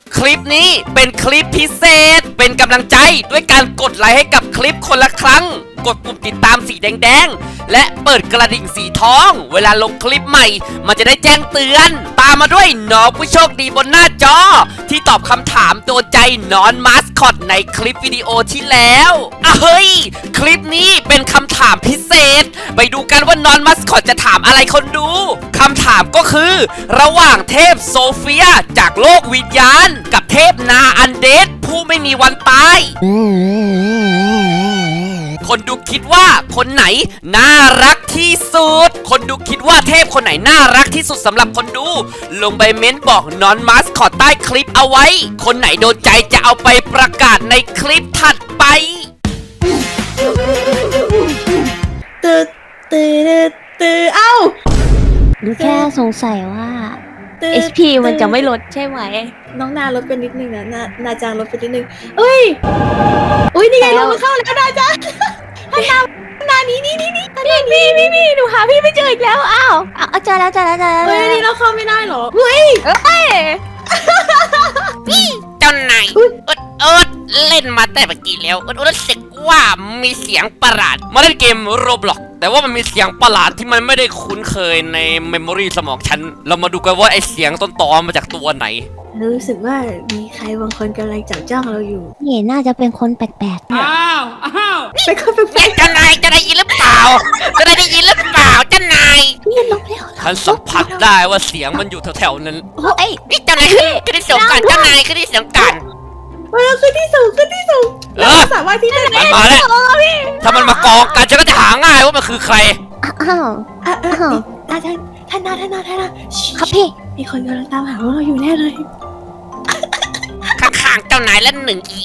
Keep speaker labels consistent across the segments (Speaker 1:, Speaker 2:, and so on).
Speaker 1: คลิปนี้เป็นคลิปพิเศษเป็นกำลังใจด้วยการกดไลค์ให้กับคลิปคนละครั้งกดปุ่มติดตามสีแดงๆและเปิดกระดิ่งสีทองเวลาลงคลิปใหม่มันจะได้แจ้งเตือนตามมาด้วยน้องผู้โชคดีบนหน้าจอที่ตอบคำถามโดนใจนอนมาสคอตในคลิปวิดีโอที่แล้วเฮ้ยคลิปนี้เป็นคำถามพิเศษไปดูกันว่านอนมาสคอตจะถามอะไรคนดูคำถามก็คือระหว่างเทพโซเฟียจากโลกวิญญาณกับเทพนาอันเดดผู้ไม่มีวันตายคนดูคิดว่าคนไหนน่ารักที่สุดคนดูคิดว่าเทพคนไหนน่ารักที่สุดสำหรับคนดูลงไปเม้นบอกนอนมาสคอตใต้คลิปเอาไว้คนไหนโดนใจจะเอาไปประกาศในคลิปถัดไป
Speaker 2: ตื่นเอ้า
Speaker 3: หนูแค่สงสัยว่า HP มันจะไม่ลดใช่ไหม
Speaker 2: น้องนาลดไปนิดนึงนะนาจางลดไปนิดนึงเอ้ยอุ้ยนี่ไงลงมาเข้าแล้วนาจางนานี่
Speaker 3: พี่หนูหาพี่ไม่เจออีกแล้วอ้าวเจอแล้ว
Speaker 2: เฮ้ยนี่เราเข้าไม่ได้หรอเฮ้ย
Speaker 1: เจ้านายอดเล่นมาแต่เมื่อกี้แล้วรู้สึกว่ามีเสียงประหลาดมาเล่นเกมโรบล็อกแต่ว่ามันมีเสียงประหลาดที่มันไม่ได้คุ้นเคยในเมมโมรีสมองฉันเรามาดูกันว่าไอเสียงต้นตอมาจากตัวไหน
Speaker 2: รู้สึกว่ามีใครบางคนกำลังจับจ้องเราอยู่
Speaker 3: นี่น่าจะเป็นคนแปลกๆ
Speaker 1: อ้าว
Speaker 2: เป็นคนแปลก
Speaker 1: เจ้านายจะได้ยินหรือเปล่าเจ้านาย
Speaker 3: พี่ลบแล้ว
Speaker 1: ฉันสัมผัสได้ว่าเสียงมันอยู่แถวๆนั้น
Speaker 3: โอ้ย
Speaker 1: นี่เจ้านายขึ้นที่สูงกันเจ้านายขึ้นที่สูงกัน
Speaker 2: เราขึ้นที่สูงสามารถที่จะ
Speaker 1: มันมาแล้วถ้ามันมากองกันฉันก็จะหาง่ายว่ามันคือใคร
Speaker 3: อ้าว
Speaker 2: ท่านนา
Speaker 3: ครับพี่
Speaker 2: มีคนกำลังตามหาเราอยู่แน่เลย
Speaker 1: ข้างๆเจ้านายและ1 EA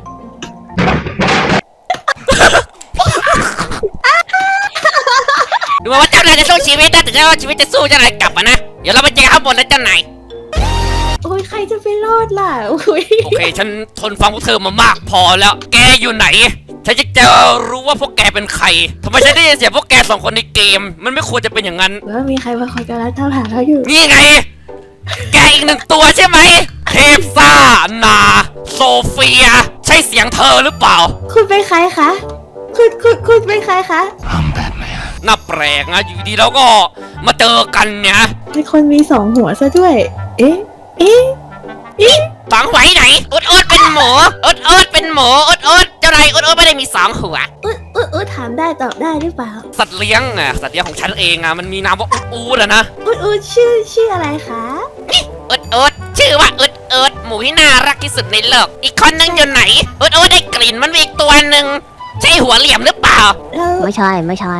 Speaker 1: ดูว่าเจ้านายจะสู้ชีวิตนะแต่เจ้าชีวิตจะสู้เจ้านายกลับมานะเดี๋ยวเราไปเจอข้างบนแล้วเจ้านาย
Speaker 2: โอ้ยใครจะไปรอดล่ะโอ
Speaker 1: เคฉันทนฟังพวกเธอมามากพอแล้วแกอยู่ไหนฉันจะรู้ว่าพวกแกเป็นใครทำไมฉันได้ยินเสียงพวกแก2 คนในเกมมันไม่ควรจะเป็นอย่างนั้น
Speaker 2: ว่ามีใครบางคนกำลังตามหาเราอยู่
Speaker 1: นี่ไงแกอีก1 ตัวใช่ไหมเทพซ่านาโซเฟียใช่เสียงเธอหรือเปล่า
Speaker 2: คุณเป็นใครคะคุณเป็นใครคะ
Speaker 1: น่าแปลกนะอยู่ดีแล้วก็มาเจอกันเนี่ย
Speaker 2: เป็นคนมี2 หัวซะด้วยเอ๊ะ
Speaker 1: 2 หัวไหนอุดเป็นหมูอุดเป็นหมูอุดเจ้านายอุดไม่ได้มี2 หัว
Speaker 2: อุดถามได้ตอบได้หรือเปล่า
Speaker 1: สัตว์เลี้ยงของฉันเองมันมีนามว่าอุดนะ
Speaker 2: อุดชื่ออะไรคะ
Speaker 1: อุดชื่อว่าอุดหมูที่น่ารักที่สุดในโลกอีกคนนึงอยู่ไหนอุดได้กลิ่นมันมีอีกตัวหนึ่งใช่หัวเหลี่ยมหรือเปล่า
Speaker 3: ไม่ใช่ไม่ท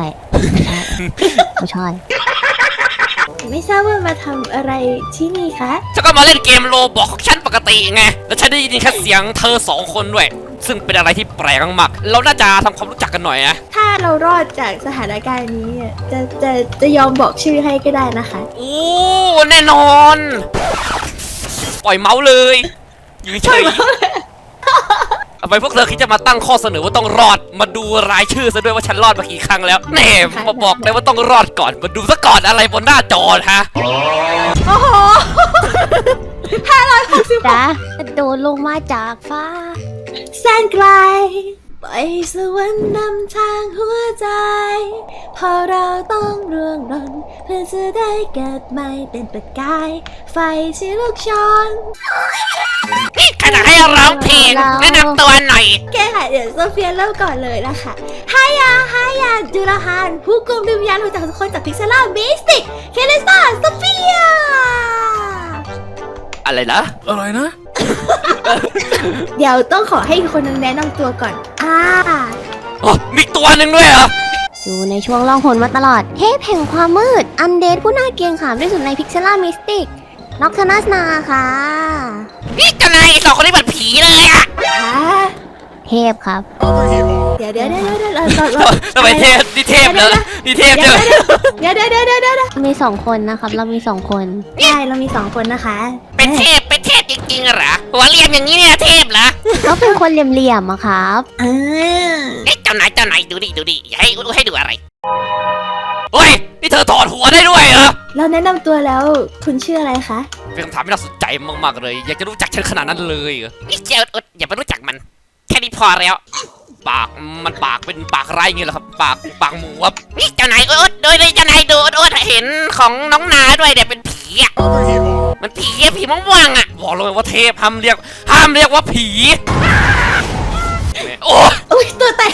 Speaker 2: ราบว่ามาทำอะไรที่นี่คะ
Speaker 1: ฉันก็มาเล่นเกมโรบอกของฉันปกติไงแล้วฉันได้ยินแค่เสียงเธอ2 คนด้วยซึ่งเป็นอะไรที่แปลกมากเราน่าจะทำความรู้จักกันหน่อยนะ
Speaker 2: ถ้าเรารอดจากสถานการณ์นี้จะยอมบอกชื่อให้ก็ได้นะคะ
Speaker 1: โอ้แน่นอนปล่อยเมาส์เลยอยู่เฉยทำไมพวกเธอคิดจะมาตั้งข้อเสนอว่าต้องรอดมาดูรายชื่อซะด้วยว่าฉันรอดมากี่ครั้งแล้วแน่มาบอกเลยว่าต้องรอดก่อนมาดูซะก่อนอะไรบนหน้าจอฮะ
Speaker 2: โอ้โห560
Speaker 3: จ้าโดนลงมาจากฟ้า
Speaker 2: แสนไกลไปสวรรค์นำทางหัวใจพอเราต้องร่วงหล่นเพื่อจะได้เกิดใหม่เป็นประกายไฟที่ลุกโชน
Speaker 1: ขณะให้ร้องเพลงแนะนำตัวหน่อย
Speaker 2: แกค่ะเดี๋ยวโซเฟียเริ่มก่อนเลยนะคะฮายาดูลฮานผู้กุมวิญญาณจากทุกคนจากพิกเซล่ามิสติกเคเลซ่าโซเฟีย
Speaker 1: อะไรนะ
Speaker 2: เดี๋ยวต้องขอให้คนนึงแนะนำตัวก่อน
Speaker 1: มีตัวหนึ่งด้วยเหรอ
Speaker 3: อยู่ในช่วงล่องหนมาตลอดเทพแห่งความมืดอันเดดผู้น่าเกรงขามที่สุดในพิกเซล่ามิสติกน็อกทนัสนาค่ะ
Speaker 1: นี่เจ้านาย2 คนนี้เหมือนผีเลยอะ
Speaker 3: เทพครับ
Speaker 2: เดี๋ยว
Speaker 1: ทำไมเทพนี่เทพเลยนี่เทพเจอ
Speaker 2: เดี๋ยว
Speaker 3: มี2 คนนะครับเรามี2 คน
Speaker 2: ใช่เรามี2 คนนะคะ
Speaker 1: เป็นเทพจริงๆเหรอหัวเหลี่ยมอย่างนี้เนี่ยเทพเหรอ
Speaker 3: เขาเป็นคนเหลี่ยมๆอะครับ
Speaker 1: เจ้านายดูดิอย่าให้ดูอะไรโอ้ยนี่นี่เธอถอดหัวได้ด้วยเหรอ
Speaker 2: เราแนะนำตัวแล้วคุณชื่ออะไรคะ
Speaker 1: เป็นคำถามที่น่าสนใจมากๆเลย อยากจะรู้จักฉันขนาดนั้นเลยเหรอนี่เจ้าอย่าไปรู้จักมัน แค่นี้พอแล้ว ปากมันปากเป็นปากไรเงี้ยเหรอครับ ปากหมูครับนี่เจ้านายโดยเจ้านายดูเห็นของน้องนาด้วยเนี่ยเป็นผีอ่ะมันผีม่วงๆอ่ะบอกเลยว่าเทพห้ามเรียกว่าผีโอ้
Speaker 2: อุ้ยตัวแตก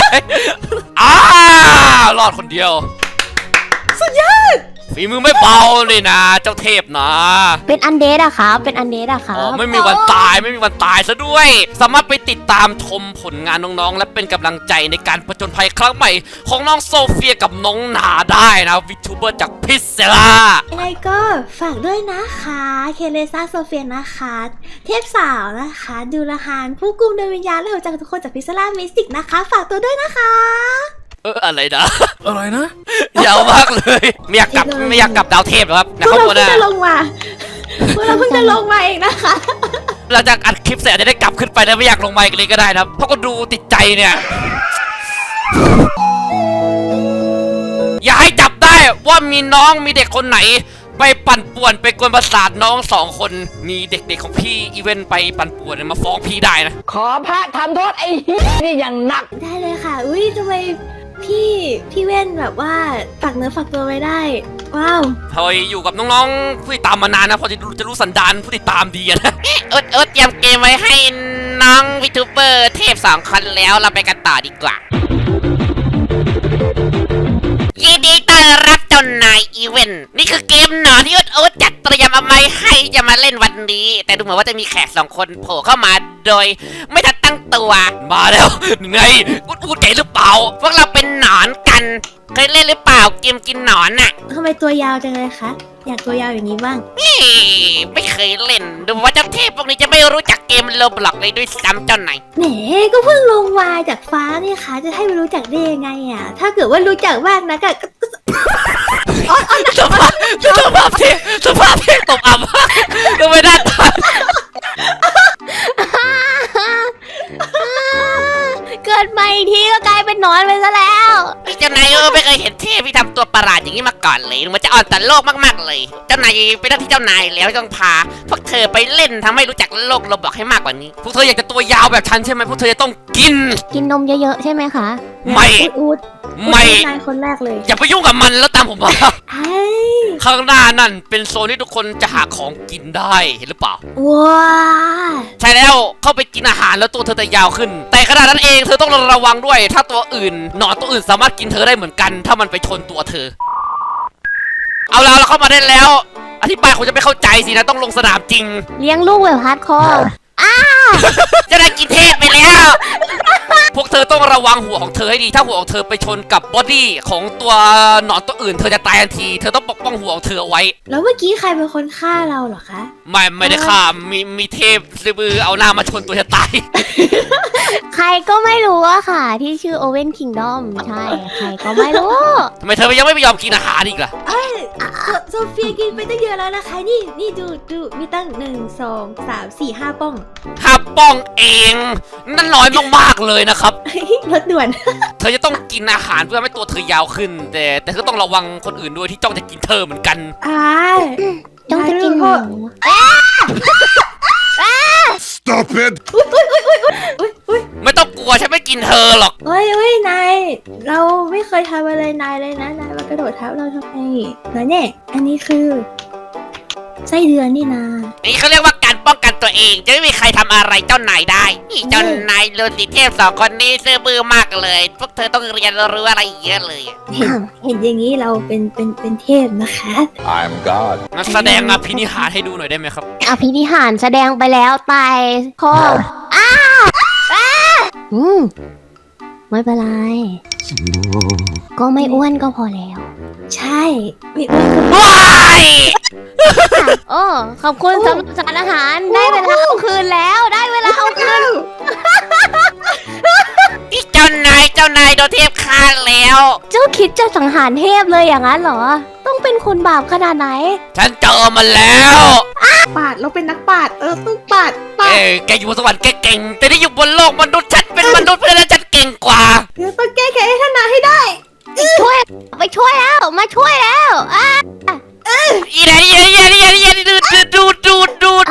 Speaker 1: รอดคนเดียว
Speaker 2: สุดยอด
Speaker 1: ฝีมือไม่เบาเลยนะเจ้าเทพนะ
Speaker 3: เป็นอันเดดอะครับ เป็นอันเดดอะครั
Speaker 1: อ๋อบ ไม่มีวันตายซะด้วย สามารถไปติดตามชมผลงานน้องๆ และเป็นกำลังใจในการผจญภัยครั้งใหม่ของน้องโซเฟียกับน้องนาได้นะวิทูเบอร์จากพิซเซล่า
Speaker 2: ยังไงก็ฝากด้วยนะคะเคเลซ่าโซเฟียนะคะ เทพสาวนะคะ ดูละหานผู้กุมดวงวิญญาณและหัวใจของทุกคนจากพิซซ่ามิสติกนะคะ ฝากตัวด้วยนะคะ
Speaker 1: อะไรนะ
Speaker 4: อะไรนะ
Speaker 1: ยาวมากเลยไม่อยากกลับดาวเทพหรอครับ
Speaker 2: พ
Speaker 1: นะ
Speaker 2: ว
Speaker 1: ค
Speaker 2: ก
Speaker 1: รับ
Speaker 2: เรา
Speaker 1: หัวห
Speaker 2: เพิ่ง
Speaker 1: น้า
Speaker 2: จะลงมาพวกเราเพิ่งจะลงมาเองนะคะ
Speaker 1: หลังจากอัดคลิปเสร็จจะได้กลับขึ้นไปแล้วไม่อยากลงมาอีกเลยก็ได้นะเพราะก็ดูติดใจเนี่ย อย่าให้จับได้ว่ามีน้องมีเด็กคนไหน ไปปั่นป่วนไปกวนประสาทน้อง2 คนมีเด็กๆของพี่อีเวนต์ไปปั่นป่วนมาฟ้องพี่ได้นะ
Speaker 5: ขอพระทำโทษไอ้เหี้ยนี่อย่างหนัก
Speaker 2: ได้เลยค่ะ อุ้ยทำไมพี่เว้นแบบว่าฝากเนื้อฝากตัวไว้ได้ ว้าว
Speaker 1: พอยอยู่กับน้องๆผู้ติดตามมานานนะพอจะรู้สันดานผู้ติดตามดีนะเตรียมเกมไว้ให้น้องวิทูเบอร์เทพ2 คนแล้วเราไปกันต่อดีกว่ายินดีต้อนรับเจ้านายอีเวนต์นี่คือเกมหนอนที่โอ๊ตจัดเตรียมเอาไว้ให้จะมาเล่นวันนี้ แต่ดูเหมือนว่าจะมีแขก2 คนโผล่เข้ามาโดยไม่ทันตั้งตัวมาแล้วไงอูดเก๋หรือเปล่าพวกเราเป็นหนอนกันเคยเล่นหรือเปล่าเกมกินหนอนน่ะ
Speaker 2: ทำไมตัวยาวจังเลยคะ อยากตัวยาวอย่างนี้บ้าง
Speaker 1: ไม่เคยเล่นดูว่าเจ้าเทพพวกนี้จะไม่รู้จักเกมโลบล็อกเลยด้วยซ้ำเจ้าไหนาย
Speaker 2: แหมก็เพิ่งลงมาจากฟ้านี่คะจะให้ไม่รู้จักได้ยังไงอ่ะ ถ้าเกิดว่ารู้จักบ้างนะก็
Speaker 1: สภาพเทพตกอับมากดูไม่ได้ตา
Speaker 3: เกิดใหม่อีกทีก็กลายเป็นหนอนไปซะแล้ว
Speaker 1: เจ้านายไม่เคยเห็นเทพที่ทำตัวประหลาดอย่างนี้มาก่อนเลยมันจะอ่อนต่อโลกมากๆเลยเจ้านายเป็นหน้าที่เจ้านายแล้วต้องพาพวกเธอไปเล่นทำให้รู้จักโลกโลบล็อกให้มากกว่านี้พวกเธออยากจะตัวยาวแบบฉันใช่ไหมพวกเธอจะต้องกิน
Speaker 3: กินนมเยอะๆใช่ไหมคะ
Speaker 1: ไม่
Speaker 2: อูด
Speaker 1: ไม่
Speaker 2: นายคนแรกเลย
Speaker 1: อย่าไปยุ่งกับมันแล้วตามผมมา
Speaker 2: ไอ้
Speaker 1: ข้างหน้านั่นเป็นโซนที่ทุกคนจะหาของกินได้เห็นหรือเปล่า
Speaker 2: ว้า
Speaker 1: ใช่แล้วเข้าไปกินอาหารแล้วตัวเธอจะยาวขึ้น แต่ขณะนั้นเองเธอต้องระวังด้วย ถ้าตัวอื่นหนอนตัวอื่นสามารถกินเธอได้เหมือนกัน ถ้ามันไปชนตัวเธอ เอาแล้วเราเข้ามาได้แล้ว อธิบายคงจะไม่เข้าใจสินะต้องลงสนามจริง
Speaker 3: เลี้ยงลูกแบบฮาร์ดคอร์
Speaker 1: จะได้กินเทพไปแล้ว พวกเธอต้องระวังหัวของเธอให้ดี ถ้าหัวของเธอไปชนกับบอดี้ของตัวหนอนตัวอื่น เธอจะตายทันที เธอต้องปกป้องหัวของเธอเอาไว้
Speaker 2: แล้วเมื่อกี้ใครเป็นคนฆ่าเราเหรอคะ
Speaker 1: ไม่ได้ฆ่ามีเทพซื้อมือเอาหน้ามาชนตัวจะตาย
Speaker 3: ใครก็ไม่รู้อะค่ะ ที่ชื่อโอเว่นคิงดอมใช่ ใครก็ไม่รู้
Speaker 1: ทำไมเธอยังไม่ยอมกินอาหารอีกล่ะ
Speaker 2: โซเฟียกินไปตั้งเยอะแล้วนะคะ นี่ดูมีตั้ง1 2 3 4 5 ป้อง
Speaker 1: 5 ป้องเอง นั่นน้อยมากๆเลยนะครับ
Speaker 2: รถด่วน
Speaker 1: เธอจะต้องกินอาหารเพื่อให้ตัวเธอยาวขึ้น แต่ก็ต้องระวังคนอื่นด้วยที่จ้องจะกินเธอเหมือนกัน
Speaker 3: จ้องจะกินหมู
Speaker 4: Stop it
Speaker 1: ไม่ต้องกลัวฉันไม่กินเธอหรอก
Speaker 2: เฮ้ยนาย เราไม่เคยทำอะไรนายเลยนะ นายมากระโดดทับเราทำไมแล้วเนี่ย อันนี้คือไส้เดือนนี่นา
Speaker 1: นี่เขาเรียกว่าการป้องกันตัวเอง จะไม่มีใครทำอะไรเจ้านายได้นี่เจ้านายโลติเทพ2 คนนี้ซื่อบื้อมากเลย พวกเธอต้องเรียนรู้อะไรเยอะเลย
Speaker 2: เห็นอย่างนี้เราเป็นเทพนะคะ
Speaker 4: I'm God
Speaker 1: งั้นแสดงอภินิหารให้ดูหน่อยได้ไหมครับ
Speaker 3: อภินิหารแสดงไปแล้วตายคอไม่เป็นไร ก็ไม่อ้วนก็พอแล้ว
Speaker 2: ใช่ไม่อ้วนก็
Speaker 1: ว้าย
Speaker 3: โอ้ขอบคุณสำหรับสารอาหารได้เวลาเอาคืนแล้วได้เวลาเอาคืน
Speaker 1: นี่เจ้านายโดนเทพฆ่าแล้ว
Speaker 3: เจ้าคิดจะสังหารเทพเลยอย่างนั้นเหรอ ต้องเป็นคนบาปขนาดไหน
Speaker 1: ฉันเจอมันแล้ว
Speaker 2: ปาดเราเป็นนักปาดต้องปาด
Speaker 1: แกอยู่บนสวรรค์แกเก่ง แต่ที่อยู่บนโลกมนุษย์ฉันเป็นมนุษย์เพราะฉะนั้นฉันเก่งกว่า
Speaker 2: เดี๋ยวต้องแก้แค้นให้ท่านนาให้ได้
Speaker 3: ไปช่วยแล้วมาช่วยแล้ว
Speaker 1: อีไหนดูด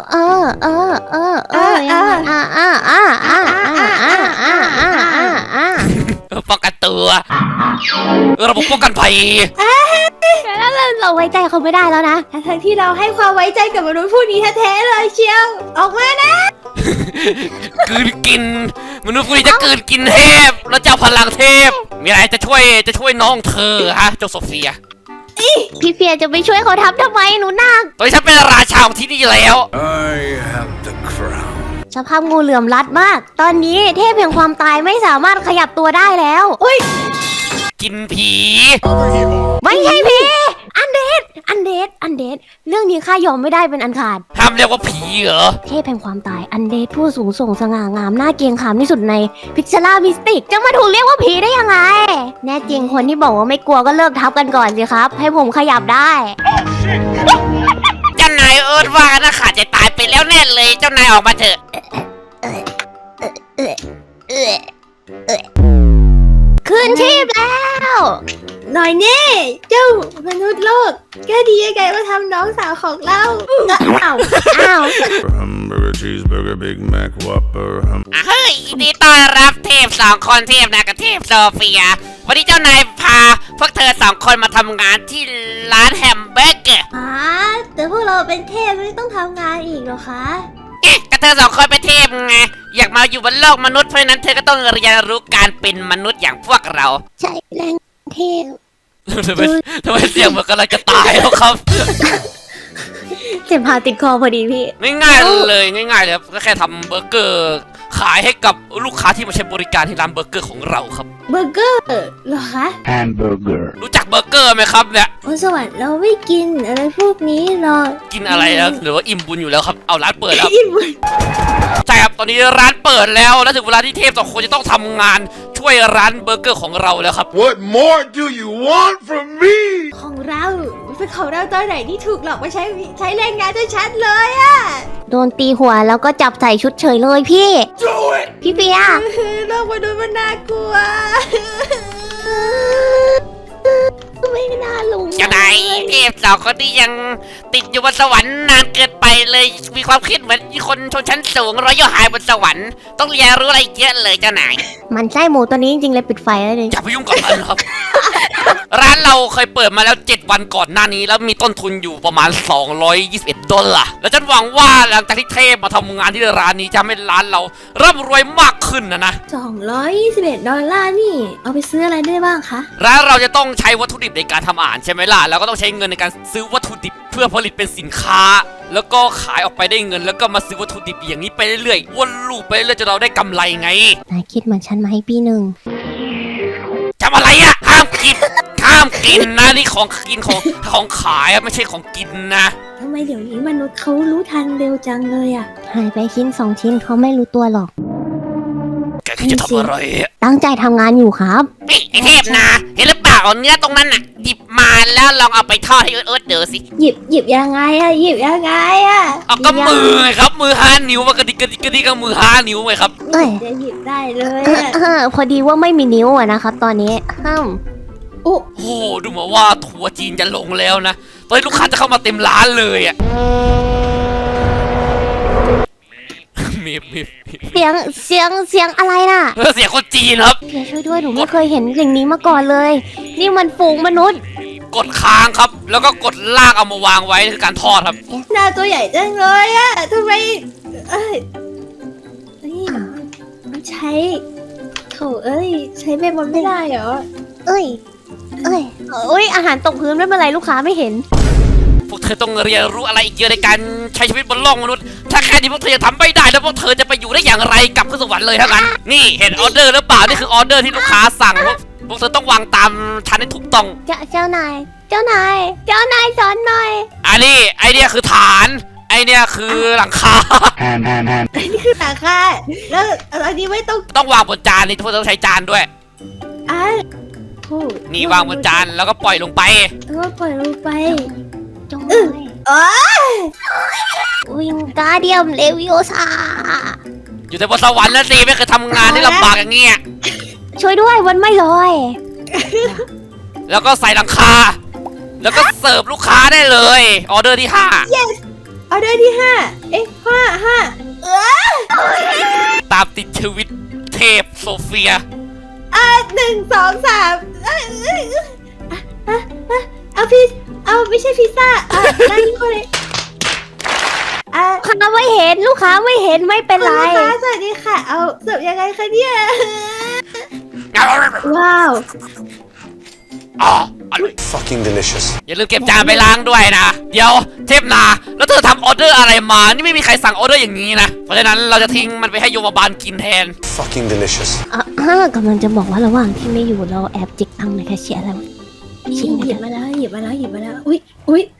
Speaker 1: ป้องกันตัวระบบป้องกันภัย
Speaker 3: เราไว้ใจเขาไม่ได้แล้วนะ
Speaker 2: ทั้งที่เราให้ความไว้ใจกับมนุษย์ผู้นี้แท้ๆเลยเชียว ออกมานะ
Speaker 1: กลืนกินมนุษย์พวกนี้จะกลืนกินเทพแล้วเจ้าพลังเทพมีอะไรจะช่วยน้องเธอฮะเจ้าโซเฟีย
Speaker 3: พี่เฟียจะไปช่วยเขาทำทำไมหนูนัก
Speaker 1: ตอนนี้ฉันเป็นราชาของที่นี่แล้ว
Speaker 4: I have the crown.
Speaker 3: สภาพงูเหลือมรัดมาก ตอนนี้เทพแห่งความตายไม่สามารถขยับตัวได้แล้วอุ้ย
Speaker 1: กินผี
Speaker 3: ไม่ใช่พี่อันเดดเรื่องนี้ข้ายอมไม่ได้เป็นอันขาด
Speaker 1: ห้ามเรียกว่าผีเหรอ
Speaker 3: เทพแห่งความตายอันเดดผู้สูงส่งสง่างามน่าเกรงขามที่สุดในพิกเซล่ามิสติกจะมาถูกเรียกว่าผีได้ยังไง แน่จริงคนที่บอกว่าไม่กลัวก็เลิกทับกันก่อนสิครับ ให้ผมขยับได้
Speaker 1: เจ้านายเอิร์ธว่านะขาดใจตายไปแล้วแน่เลยเจ้านายออกมาเถอะ
Speaker 3: คืนชีพแล้ว
Speaker 2: หน่อยแน่เจ้ามนุษย์โลกแกดียังไงมาทำน้องสาวของเราอ้าว
Speaker 4: Hamburger, cheeseburger, Big Mac, Whopper,
Speaker 1: เฮ้ยยินดีต้อนรับเทพสองคนเทพนะกับเทพโซเฟีย วันนี้เจ้านายพาพวกเธอสองคนมาทำงานที่ร้านแฮมเบอร์เกอร์
Speaker 2: แต่พวกเราเป็นเทพไม่ต้องทำงานอีกเหรอคะ
Speaker 1: ก็เธอสองคนเป็นเทพไงอยากมาอยู่บนโลกมนุษย์เพราะฉะนั้นเธอก็ต้องเรียนรู้การเป็นมนุษย์อย่างพวกเรา
Speaker 3: ใช่แรงเทพ
Speaker 1: ทำไมเสียงเหมือนกำลังจะตายแล้วครับ
Speaker 3: เจ็บพาติดคอพอดีพี่
Speaker 1: ง่ายๆเลยครับก็แค่ทำเบอร์เกอร์ขายให้กับลูกค้าที่มาใช้บริการที่ร้านเบอร์เกอร์ของเราครับ
Speaker 2: เบอร์เกอร์เหรอคะ
Speaker 4: hamburger.
Speaker 1: รู้จักเบอร์เกอร์ไหมครับเนี่ย
Speaker 2: บนสวรรค์เราไม่กินอะไรพวกนี้หรอก
Speaker 1: กินอะไรแล้วหรือว่าอิ่มบุญอยู่แล้วครับเอาร้านเปิดแล้ว
Speaker 2: อิ่มบุญ
Speaker 1: ใช่ครับตอนนี้ร้านเปิดแล้วและถึงเวลาที่เทพสองคนจะต้องทำงานช่วยร้านเบอร์เกอร์ของเราแล้วครับ
Speaker 4: What more do you want from me?
Speaker 2: ของเราเป็นของเราตอนไหนที่ถูกหลอกมาใช้แรงงานชัดๆเลยอะ
Speaker 3: โดนตีหัวแล้วก็จับใส่ชุดเฉยเลยพี่ พี่เปีย
Speaker 2: โลกมนุษย์มันน่ากลัว
Speaker 3: ไม่น่าลุง
Speaker 1: เจ้านายเทพสองคนที่ยังติดอยู่บนสวรรค์นานเกินไปเลยมีความคิดเหมือนคนชนชั้นสูงร้อยย่อหายบนสวรรค์ต้องเรียนรู้อะไรเยอะเลยเจ้านาย
Speaker 3: มันไส้หมูตัวนี้จริงๆเลยปิดไฟแล้วเลย
Speaker 1: อย่าไปยุ่งกับมันครับ ร้านเราเคยเปิดมาแล้ว7 วันก่อนหน้านี้แล้วมีต้นทุนอยู่ประมาณ$221แล้วฉันหวังว่าหลังจากที่เทพมาทำงานที่ร้านนี้จะทำให้ร้านเราร่ำรวยมากขึ้นนะ
Speaker 2: $221นี่ เอาไปซื้ออะไรได้บ้างคะ
Speaker 1: ร้านเราจะต้องใช้วัตถุดิบในการทำอาหารใช่ไหมล่ะแล้วก็ต้องใช้เงินในการซื้อวัตถุดิบเพื่อผลิตเป็นสินค้า แล้วก็ขายออกไปได้เงิน แล้วก็มาซื้อวัตถุดิบอย่างนี้ไปเรื่อยๆวนลูปไปเรื่อยจนเราได้กำไรไง
Speaker 3: นายคิดเหมือนฉันไหมพี่หนึ่ง
Speaker 1: จำอะไรอะห้ามกินนะนี่ของกินของขายอะไม่ใช่ของกินนะ
Speaker 2: ทำไมเดี๋ยวนี้มนุษย์เขารู้ทันเร็วจังเลยอะ
Speaker 3: หายไปชิ้น2 ชิ้นเขาไม่รู้ตัวหรอก
Speaker 1: แกคิดจะทำอะไรอะ
Speaker 3: ตั้งใจทำงานอยู่ครับ
Speaker 1: นี่ไอเทพนะเห็นหรือเปล่าเนื้อตรงนั้นน่ะหยิบมาแล้วลองเอาไปทอดให้เอิร์ธเดี๋ยวสิ
Speaker 2: หยิบยังไงอะหยิบยังไงอะ
Speaker 1: เอาก็มือไงครับมือ5 นิ้วมากระดิกก็มือ5 นิ้วไงครับ
Speaker 3: เอ้ย
Speaker 2: จะหยิบได้เลยอะ
Speaker 3: พอดีว่าไม่มีนิ้วอะนะครับ ตอนนี้
Speaker 2: โอ้
Speaker 1: โอ้ดูมาว่าทัวร์จีนจะลงแล้วนะตอนนี้ลูกค้าจะเข้ามาเต็มร้านเลยอ่ะมี
Speaker 3: เสียงอะไรน่ะ
Speaker 1: เสียงคนจีนครับ
Speaker 3: เดี๋ยวช่วยด้วยหนูไม่เคยเห็นสิ่งนี้มาก่อนเลย นี่มันฝูงมนุษย์
Speaker 1: กดค้างครับ แล้วก็กดลากเอามาวางไว้คือการทอดครับ
Speaker 2: หน้าตัวใหญ่จังเลยอะทำไมนี่มันใช้โถใช้เบมอนไม่ได้เหรอ
Speaker 3: เอ้ยอาหารตกพื้นไม่เป็นไรลูกค้าไม่เห็น
Speaker 1: พวกเธอต้องเรียนรู้อะไรอีกเยอะในการใช้ชีวิตบนโลกมนุษย์ถ้าแค่นี้พวกเธอจะทำไม่ได้แล้วพวกเธอจะไปอยู่ได้อย่างไรกลับขึ้นสวรรค์เลยทั้งนั้นนี่เห็นออเดอร์หรือเปล่านี่คือออเดอร์ที่ลูกค้าสั่งพวกเธอต้องวางตามชั้นให้ถูกต้อง
Speaker 3: เจ้านายสอนหน่อย
Speaker 1: อันนี้ไอเนี้ยคือฐานไอเนี้ยคือหลังคา
Speaker 2: นี่คือหนังค่ะแล้วอันนี้ไม่ต้อง
Speaker 1: ต้องวางบนจานนี่ทุกคนต้องใช้จานด้วย
Speaker 2: อ่ะโอ้
Speaker 1: นี่วางบนจานแล้วก็ปล่อยลงไป
Speaker 2: แล้วก็ปล่อยลงไป
Speaker 3: จงเลยวิงการเดียมเลวิโอซา
Speaker 1: อยู่แต่บนสวรรค์แล้วสิไม่เคยทำงานที่ลำบากอย่างเงี้ย
Speaker 3: ช่วยด้วยวันไม่ลอย
Speaker 1: แล้วก็ใส่หลังคาแล้วก็เสิร์ฟลูกค้าได้เลย ออเดอร์ที่
Speaker 2: yes ออเดอร์ที่5ห้า
Speaker 1: 5 ตามติดชีวิตเทพโซเฟีย
Speaker 2: 1 2 3เอาไม่ใช่พิซซ่านั่นนี่เลย
Speaker 3: ลูกค้าไม่เห็นลูกค้าไม่เห็นไม่เป็นไร
Speaker 2: คุณลูกค้าสวัสดีค่ะ เอาเสิร์ฟยังไงคะเนี่ยว้าว
Speaker 1: อ๋ออร่อย
Speaker 4: Fucking delicious.
Speaker 1: อย่าลืมเก็บจานไปล้างด้วยนะ เดี๋ยวเทพนาแล้วเธอทำออเดอร์อะไรมา นี่ไม่มีใครสั่งออเดอร์อย่างนี้นะ เพราะฉะนั้นเราจะทิ้งมันไปให้โยมบาลกินแทน
Speaker 4: Fucking delicious.
Speaker 3: กำลังจะบอกว่าระหว่างที่ไม่อยู่เราแอบจิกตังค์ในแคชเชียร์แล้ว
Speaker 2: หยิบมาแล้วอุ้ย
Speaker 3: เฮ้ย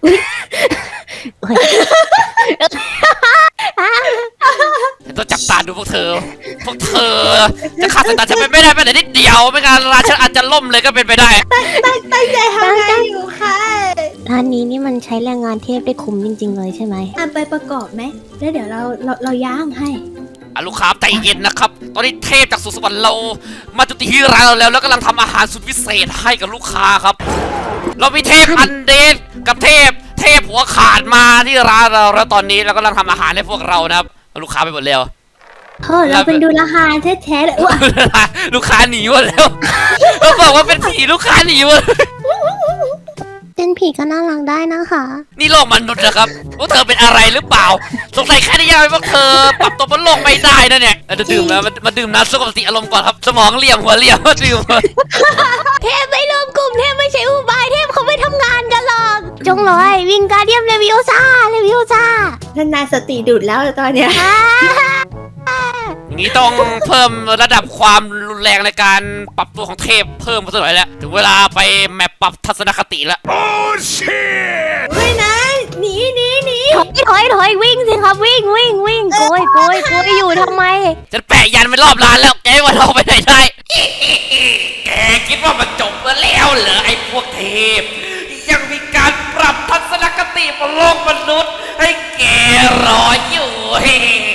Speaker 1: ฉันต้องจับตาดูพวกเธอ จะขาดสายตาฉันไปไม่ได้แม้แต่นิดเดียว ไม่งั้นร้านฉันอาจจะล่มเลยก็เป็นไปได้
Speaker 2: ตั้งใจทำงานอยู่ค่ะ
Speaker 3: ร้านนี้นี่มันใช้แรงงานเทพได้คุ้มจริงๆเลยใช่ไหม
Speaker 2: ไปประกอบไหมแล้วเดี๋ยวเราย่างให้
Speaker 1: ลูกค้าใจเย็นนะครับ ตอนนี้เทพจากสุสวรรค์เรามาจุติที่ร้านเราแล้วกำลังทำอาหารสุดพิเศษให้กับลูกค้าครับ เรามีเทพอันเดนกับเทพหัวขาดมาที่ร้านเราแล้วตอนนี้เรากำลังทำอาหารให้พวกเรานะครับลูกค้าไปหมดแล้ว
Speaker 2: เราเป็นดูราคาแท้ๆเลยว้า
Speaker 1: ลูกค้าหนีหมดแล้วเราบอกว่าเป็นผีลูกค้าหนีหมด
Speaker 3: เป็นผีก็น่ารักได้นะคะ
Speaker 1: นี่โลกมนุษย์นะครับพวกเธอเป็นอะไรหรือเปล่าสงสัยแค่นี้ยังไม่พวกเธอปรับตัวบนโลกไม่ได้นะเนี่ยจะดื่มแล้วมาดื่มน้ำสงบสติอารมณ์ก่อนครับสมองเหลี่ยมหัวเหลี่ยมมาดื่ม
Speaker 3: เทพไม่รวมกลุ่มเทพไม่ใช่อุบายเทพเขาไม่ทำงานกันหรอกจงลอยวิงการเดียมเลวิโอซ่า
Speaker 2: ท่านนายสติดุดแล้วตอนเนี้ย
Speaker 1: อย่างนี้ต้องเพิ่มระดับความรุนแรงในการปรับตัวของเทพเพิ่มมาสักหน่อยแล้วถึงเวลาไปแมปปรับทัศนคติแล้ว
Speaker 4: Oh shit!
Speaker 2: เฮ้ยนะหนี
Speaker 3: ถอยวิ่งสิครับวิ่งโกยอยู่ทำไม
Speaker 1: ฉันแปะยันไปรอบร้านแล้วแกว่าเราไปไหนได้ แกคิดว่ามันจบแล้วเหรอไอ้พวกเทพ ยังมีการปรับทัศนคติบนโลกมนุษย์ให้แกรออยู่